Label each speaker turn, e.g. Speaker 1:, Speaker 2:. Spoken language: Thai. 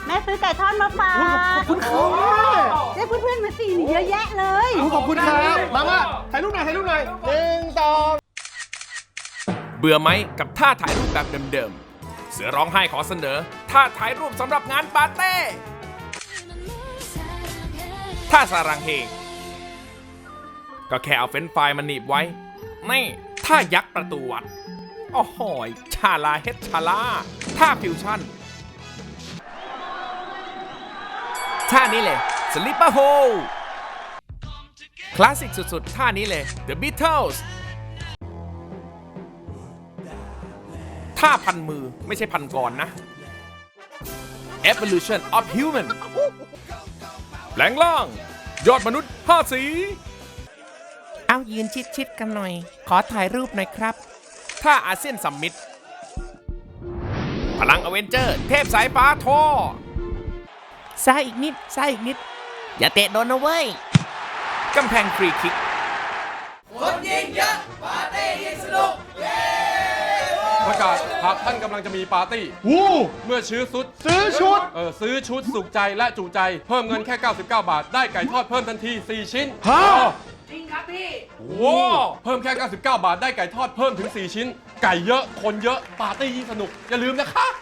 Speaker 1: แม่ซื้อไก่ทอดมาฝาก
Speaker 2: ขอบคุณครับแม่
Speaker 1: ได้เพื่อนๆมาสี่เยอะแยะเลย
Speaker 2: ขอบคุณครับมาถ่ายรูปหน่อย1 2
Speaker 3: เบื่อไหมกับท่าถ่ายรูปแบบเดิมๆ เสือร้องไห้ขอเสนอท่าถ่ายรูปสำหรับงานปาร์ตี้ท่าสารังเฮก็แค่เอาเฟรนช์ฟรายมาหนีบไว้นี่ท่ายักษ์ประตูวัดโอ้โหยชาลาเฮดชาลาท่าฟิวชั่นท่านี้เลยสลิปเปอร์โฮคลาสสิกสุดๆท่านี้เลย The Beatles ท่าพันมือไม่ใช่พันกรนะ Evolution of Human แปลงร่างยอดมนุษย์5 สีเอายืนชิดๆกันหน่อย ขอถ่ายรูปหน่อยครับท่าอาเซียนซัมมิตพลังอเวนเจอร์เทพสายฟ้าท่อซ้ายอีกนิดซ้ายอีกนิด อย่าเตะโดนนะเว้ยกำแพงฟรีคิก
Speaker 4: ประกาศหากท่านกำลังจะมีปาร์ตี้
Speaker 2: วู้
Speaker 4: เมื่อซื้อชุด
Speaker 2: ซื้อชุด
Speaker 4: ซื้อชุดสุขใจและจุใจ เพิ่มเงินแค่ 99 บาท ได้ไก่ทอดเพิ่มทันที 4 ชิ้น
Speaker 2: ฮะ
Speaker 4: จริงครับพี่ว้าวเพิ่มแค่ 99 บาท ได้ไก่ทอดเพิ่มถึง 4 ชิ้น ไก่เยอะ คนเยอะ ปาร์ตี้ยิ่งสนุก อย่าลืมนะคะ